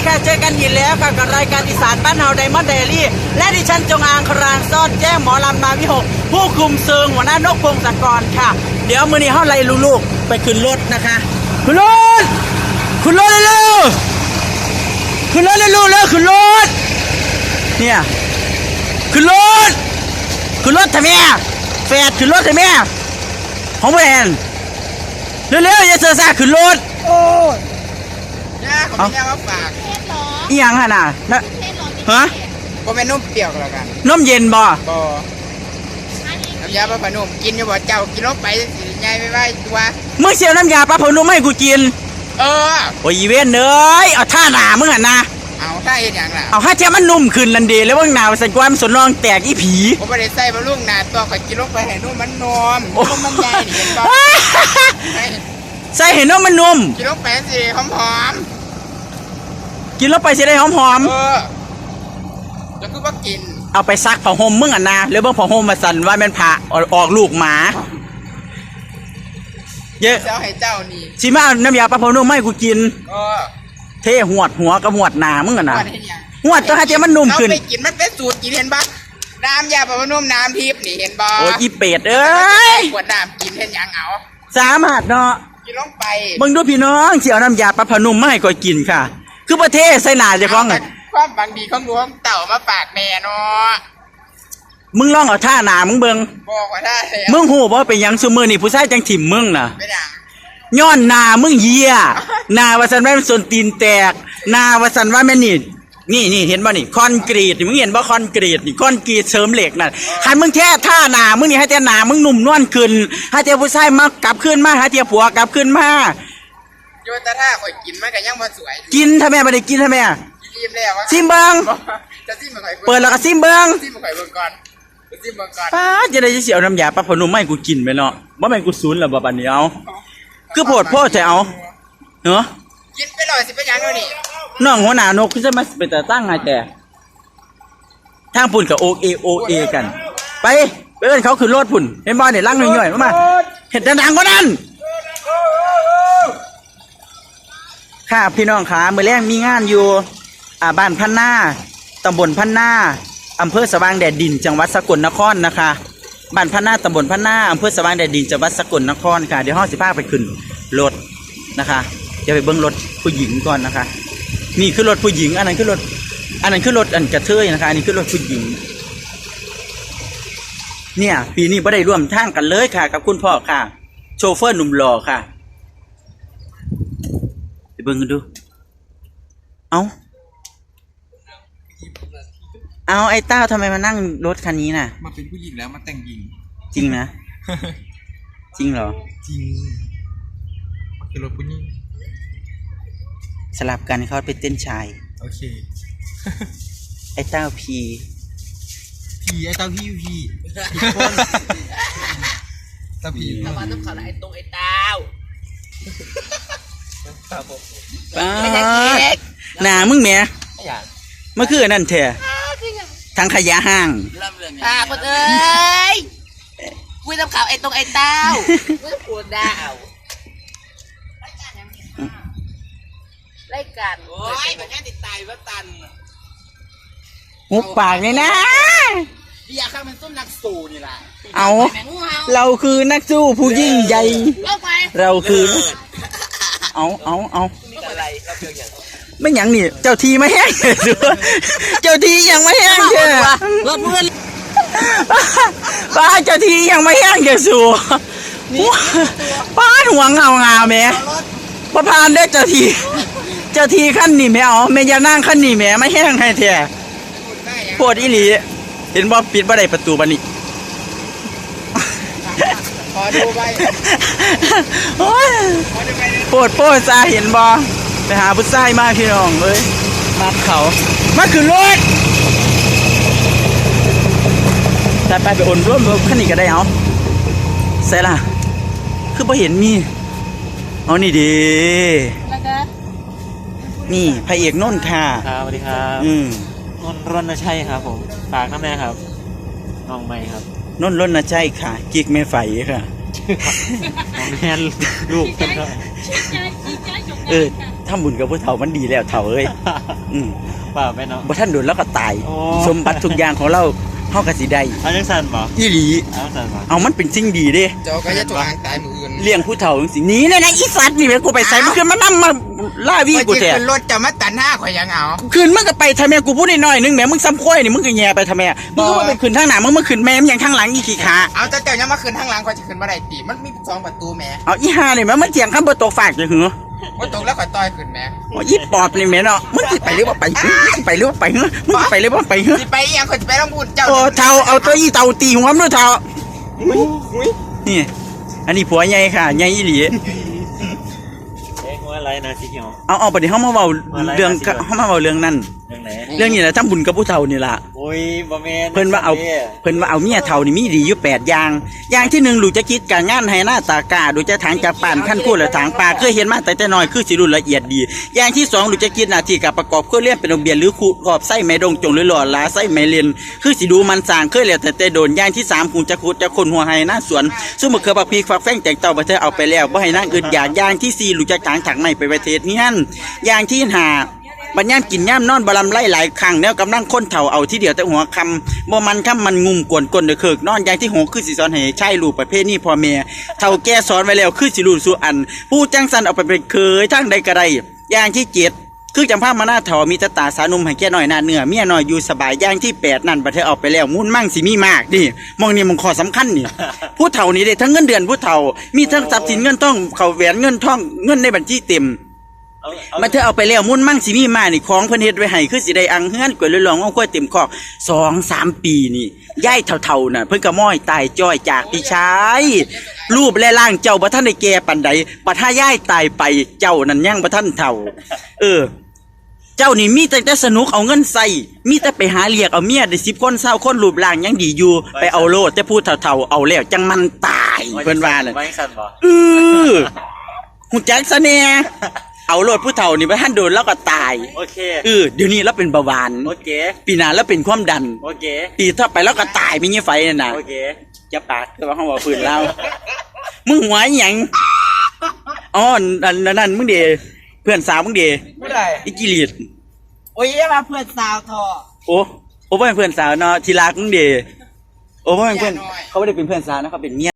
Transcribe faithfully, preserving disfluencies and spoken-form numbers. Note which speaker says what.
Speaker 1: ค่ะเจอกันอีกแล้วค่ะกับรายการอีสานบ้านเฮาไดมอนด์เดลี่และดิฉันจงอางครางซ่อนแจ้งหมอลำมาวิหกผู้คุมเซิงหัวหน้านกพงศกรค่ะเดี๋ยวมื้อนี้เฮาไล่ลูกๆไปขึ้นรถนะคะขึ้นรถขึ้นรถเร็วๆขึ้นรถเร็วๆเร็วขึ้นรถเนี่ยขึ้นรถขึ้นรถทำไมแฟดขึ้นรถทำไมของแวนเร็วๆอย่าเสือซ่าขึ้นรถโอ้ย
Speaker 2: เนี่ยเขาไม่ได้มาฝาก
Speaker 1: อีหยังฮะน่ะนะฮะ
Speaker 2: ก็เป็นนุ่มเปรี้ยวแล้วกัน
Speaker 1: นมเย็นบ่
Speaker 2: บ่น้ำยาปลาผนุ่มกินอยู่บ่เจ้ากินลงไปสิใหญ่ไม่ไหวตัว
Speaker 1: มึงเสียน้ำยาปลาผนุ่มให้กูกิน
Speaker 2: เออ
Speaker 1: โอ้ยอีเว้นเอ้ยเอาท่าหนามึงอ่ะนะ
Speaker 2: เอาท่าเห็นอย่างล่ะ
Speaker 1: เอาท่าเจ้ามันนุ่มขึ้นลันดีแล้วว่าหนาวใส่ความสนรองแตกอีผี
Speaker 2: ผมไม่ได้ใส่บะลุงหนาตัวข่อยกินลงไปให้นุ่มมันนวมนุ่มมันใหญ่เห็นป่ะ
Speaker 1: ใส่เห็นว่ามันนุ่ม
Speaker 2: กินลงไปสิหอม
Speaker 1: ๆกินแล้วไปสิได้หอม
Speaker 2: ๆเออแล้วก็ว่ากิน
Speaker 1: เอาไปซักผ้าห่มมึงอ่ะนะแล้วเบิ่งผ้าห่มมาสั่นว่ามันผ่าออกลูกหมาเยอะ
Speaker 2: เจ้าให้เจ้านี่
Speaker 1: ชิมาน้ำยาปลาผนุ่มให้กูกิน
Speaker 2: เออ
Speaker 1: เทหวดหัวกับหวดหนามึงอ่ะนะหวดตัวให้เจ้ามันนุ่มขึ้น
Speaker 2: เอาไปกินมันเป็นสูตรกินเห็นปะน้ำยาปลาผนุ่มน้ำทิพย์นี่เห็นปะ
Speaker 1: โอ้ยอีเป็ดเอ้ย
Speaker 2: ขวดน้ำกินเห็นยังเอา
Speaker 1: สามารถเนาะ
Speaker 2: กินลงไป
Speaker 1: มึงดูพี่น้องเสี่ยวน้ำยาปลาผนุ่มมาให้ก่อยกินค่ะคือประเทศใส่หนาจะคล้อง
Speaker 2: ความบางดีของหลวงเต่ามาฝากแม่เนาะ
Speaker 1: มึงลองเอาท่าหนามึงเบิ่ง
Speaker 2: บอกว่าได้
Speaker 1: มึงหูว่าเป็นยังซุมือนี่ผู้ชายจังถิ่มมึงน่ะ
Speaker 2: ไม่ดัง
Speaker 1: ย้อนนามึงเหี้ยนาว่าสันว่ามันส่วนตีนแตกนาว่าสันว่าแม่นี่นี่นี่เห็นบ่นี่คอนกรีตมึงเห็นบ่คอนกรีตนี่คอนกรีตเสริมเหล็กน่ะคันมึงแค่ท่าหนามึงนี่ให้แต่หนามึงหนุ่มนวลขึ้นให้แต่ผู้ชายมากลับขึ้นมาให้แต่ผัวกลับขึ้นมา
Speaker 2: โยนตาท่าข่อยกินมันก็ยังบ่สวย
Speaker 1: กินทำไมไม่ได้กินทำไม
Speaker 2: กินแล้ว
Speaker 1: ซิมเบิ้ง
Speaker 2: จะซิมข่อย
Speaker 1: เปิดแล้วก็ซิมเบิ้ง
Speaker 2: ซิมข่อยเบิ่งก่อนซิมเบิ่งก่อน
Speaker 1: ป้าจะได้เสียวน้ำยาปลาผนุ่มไม่กูกินไปเนาะว่าไม่กูซูนหรอบ่บัดนี้เอาคือโพดโพดจะเอาเนาะ
Speaker 2: กินไปหน่อยสิเป็นยังไงนี่
Speaker 1: น้องหัวหน้านกคือจะมาเป็นแต่ตั้งไงแต่ทางปุ่นกับโอเอโอเอกันไปไปเอิ้นเขาขึ้นรถปุ่นเห็นบ่เนี่ยลั่งหน่อยๆมาเห็ดดังๆก็นั่นค่ะพี่น้องขาเมื่อแรกมีงานอยู่อ่าบ้านพันนาตำบลพันนาอำเภอสว่างแดดดินจังหวัดสกลนครนะคะบ้านพันนาตำบลพันนาอำเภอสว่างแดดดินจังหวัดสกลนครค่ะเดี๋ยวห้องสิพาไปขึ้นรถนะคะเดี๋ยวไปเบิ้งรถผู้หญิงก่อนนะคะนี่คือรถผู้หญิงอันนั้นคือรถอันนั้นคือรถอันกระเทยนะคะอันนี้คือรถผู้หญิงเนี่ยปีนี้ไม่ได้ร่วมทางกันเลยค่ะกับคุณพ่อค่ะโชเฟอร์หนุ่มหล่อค่ะไปเบิ้งกันดูเอาเอาไอ้เต้าทำไมมานั่งรถคันนี้น่ะ
Speaker 2: มาเป็นผู้หญิงแล้วมาแต่งหญิง
Speaker 1: จริงนะจริงเหรอ
Speaker 2: จริงคือรถผู้หญิง
Speaker 1: สลับกันเขาไปเต้นชาย
Speaker 2: โอเค
Speaker 1: ไอ้เต้าพี
Speaker 2: พีไอ้เต้าพี่พีเต้าพีทำไมต้องขอไอ้ตรงไอ้เต้า
Speaker 1: ป้าหนามึงแม่เมื่อคืนนั่นเถอะทางขยะห้าง
Speaker 2: ค่ะคนเอ้ยคุยทำข่าวไอ้ตรงไอ้เต้าคุยปวดดาวรายการโอ้ยแบบนี้ติดตายว่าตัน
Speaker 1: หุบปากเลยนะ
Speaker 2: เบียร์ข้ามันต้นนักสู้นี่แหละ
Speaker 1: เอาเราคือนักสู้ผู้ยิ่งใหญ่เราคือเอาเอาเอาไม่หยังนี่เจ้าทีไม่แห้งเจ้าทียังไม่แห้งเจ้ารถเพื่อนป้าเจ้าทียังไม่แห้งเจ้าสู้ป้าหัวเงาเงาแม่ประพานได้เจ้าทีเจ้าทีขั้นนี่แม่เอาแม่ยานั่งขั้นนี่แม่ไม่แห้งให้แท้โพดอีหลีเห็นบ่ปิดบ่ได้ประตูบัดนี้
Speaker 2: ขอดูไป
Speaker 1: โอ้ยโพดโพดซาเห็นบ่ไปหาผู้ชายมาพี่น้องเอ้ยมาเขามาขึ้นรถแต่ไปไปอ่นร่วมขั้นนี้ก็ได้เอาใส่ล่ะคือบ่เห็นมีเอานี่ดีนี่พระเอกนนท์ค่ะ
Speaker 3: ครับสวัสดีครับ
Speaker 1: อืม
Speaker 3: นนท์รณชัยครับผมฝากน้ำแม่ครับน้องใหม่ครับ
Speaker 1: นนท์รณชัยค่ะกิ๊กแม่ไฟค่ะ
Speaker 3: น้องแม่ลูกเพิ่นก็
Speaker 1: เออทำบุญกับผู้เฒ่ามันดีแล้วเฒ่าเอ้ยอืม
Speaker 3: เปล่าไปเนาะ
Speaker 1: บ่ท่านโดนแล้วก็ตาย
Speaker 3: โอ้
Speaker 1: สมบัติทุกอย่างของเราเฮาก็สิได้
Speaker 3: เอาจังสันบ่
Speaker 1: อีหลี
Speaker 3: เอาจังสันบ่
Speaker 1: เอามันเป็นสิ่งดีเด้
Speaker 4: เจ้าก็จะตัวอ่างตายมืออื่น
Speaker 1: เลี้ยงผู้เฒ่าจังซี่หนีเลยนะอีสัตว์นี่แม่งกูไปใส่มันขึ้นมานํมาล่าวีกูแท้
Speaker 4: ขึ้นรถจะมาตันหน้าข่อยยังเอา
Speaker 1: ขึ้นมึงก็ไปทำไมกูพูดน้อยๆนึงแหมมึงซ้ำค่อยนี่มึงก็แย่ไปทำไมมึงก็ว่าไปขึ้นทางหน้ามึงมาขึ้นแม่มอย่างทางหลังอีขี้ขา
Speaker 4: เอาเจ้าเจ้ายังมาขึ้นทางหลังข่อยจะขึ้นมาได้ตีมันมีสองประตูแหม่
Speaker 1: เอาอีห่านี่แม่มันเถียงคำบ่ตกฝากจังหือ
Speaker 4: ว่าตกแล้วข่อยต่อยขึ้นแหม่
Speaker 1: อ๋ออีปอบนี่แม่เนาะมึงสิไปหรือว่าไปมึงสิไปหรือว่าไปเหรอมึงสิไปหรือว่าไปเหรอ
Speaker 4: สิไปอีหยังข่อยจะไปต้องพูดเจ้า
Speaker 1: โอ้เฒ่าเอาตัวอีเต่าตีหัวมันด้วยเฒ่า
Speaker 4: อุ้ย
Speaker 1: นี่ อันนี้ผัวใหญ่ค่ะใหญ่อีหลี
Speaker 3: เอ๊ะว่าอะไรนะสีเขียว
Speaker 1: เอาเอาไปดิเฮามาเว้าเรื่องเฮามาเว้าเรื่องนั้น
Speaker 3: เรื่องไหน
Speaker 1: เรื่องนี้แหละทำบุญกับผู้เฒ่านี่ล่ะ
Speaker 3: โอ้ยบ่แม่น
Speaker 1: เพิ่นว่าเอาเพิ่นว่าเอาเมียเฒ่านี่มีดีอยู่แปดอย่างอย่างที่หนึ่งรู้จะคิดการงานให้หน้าตากาดูจะถางจากป่านขั้นคู่และถางปลาเคยเห็นมาแต่แต่น้อยคือสิรู้ละเอียดดี อย่างที่สองรู้จะคิดหน้าที่การประกอบเครื่องเรียนเป็นโรงเรียนหรือคูขอบไส้แม่ดงจงหรือหล่อหลาไส้แม่เรียนคือสิดูมันสร้างเคยแล้วแต่แต่โดนอย่างที่สามคงจะขุดจะคนหัวไห้หน้าสวนซุ่มมะเขือปักพีฟักแฟ้งแตงเต่าประเทศเอาไปแล้วบ่ให้นางอื่นอยากอย่างที่สี่รู้จะถางถังไม่ไปประเทศนี้นั่นอย่างที่ห้า บัญญัติกินย่ำนอนบลำไล่หลายครั้งแล้วกำลังค้นเถ่าเอาที่เดียวแต่หัวคำบ่มันคำมันงุ่มกวนกลนเดือเคิกนอนอย่างที่หกคือสิสอนให้ใช่ลูกประเภทนี้พ่อแม่เท่าแก่สอนไว้แล้วคือสิลูกสู่อัน ผู้จังสันเอาไปเป็นเคยทั้งใดกระไรอย่างที่เจ็ดคือจำภาพมาหน้าเถ่ามีตาตาสานุ่มให้แก่น้อยหน้าเนื้อเมียน้อยอยู่สบายอย่างที่แปดนั่นประเทศเอาไปแล้วมุ่นมั่งสิมีมากดิมองนี่มันข้อสำคัญนี่ ผู้เฒ่านี่ได้ทั้งเงินเดือนผู้เฒ่ามีทั้งทรัพย์สินเงินทองเขาแหวนเงินทองเงินในบัญชีเต็ม
Speaker 3: เอาเอา
Speaker 1: มาเธอเอาไปแล้วมุ่นมั่งสิมีมานี่ของเพิ่นเฮ็ดไว้ให้คือสิได้อังเฮือนกล้วยลอยหลองเอากล้วยเต็มคอกสองสามปีนี่ยายเฒ่าๆน่ะเพิ่นก็ม้อยตายจ้อยจากพี่ชายรูปและร่างเจ้าบ่ทันได้แก่ปานใดบัดถ้ายายตายไปเจ้านั่นยังบ่ทันเฒ่า เออ เจ้านี่มีแต่แต่สนุกเอาเงินใส่มีแต่ไปหาเรียกเอาเมียได้สิบคนเศร้าคนรูปร่างยังดีอยู่ไปเอาโลดแต่พูดเฒ่าๆเอาแล้วจังมันตายเพิ่นว่าน่ะ
Speaker 3: ไว้สั่นบ่
Speaker 1: เออหูจักซะแน่เอาโลดผู้เฒ่านี่ไปท่านโดนแล้วก็ตาย
Speaker 3: โอเค
Speaker 1: เออเดี๋ยวนี้เราเป็นเบาหวาน
Speaker 3: โอเค
Speaker 1: ปีหน้าแล้วเป็นความดัน
Speaker 3: โอเค
Speaker 1: ปีต่อไปแล้วก็ตายไม่เงี้ยไฟนั่นน่ะ
Speaker 3: โอเค
Speaker 1: จะปากก็ว่าเขาบอกฝืนเรามึงหัวอหยังอ๋อนั่นนั่นมึงเดเพื่อนสาวมึงเด
Speaker 4: ผู้ใด
Speaker 1: อีกิลีด
Speaker 4: โอ้ยอย่ามาเพื่อนสาวทอ
Speaker 1: โอ้โอ้บ่เป็นเพื่อนสาวเนาะทีรักมึงเดโอ้บ่เป็นเพื่อนเขาไม่ได้เป็นเพื่อนสาวนะเขาเป็นเมีย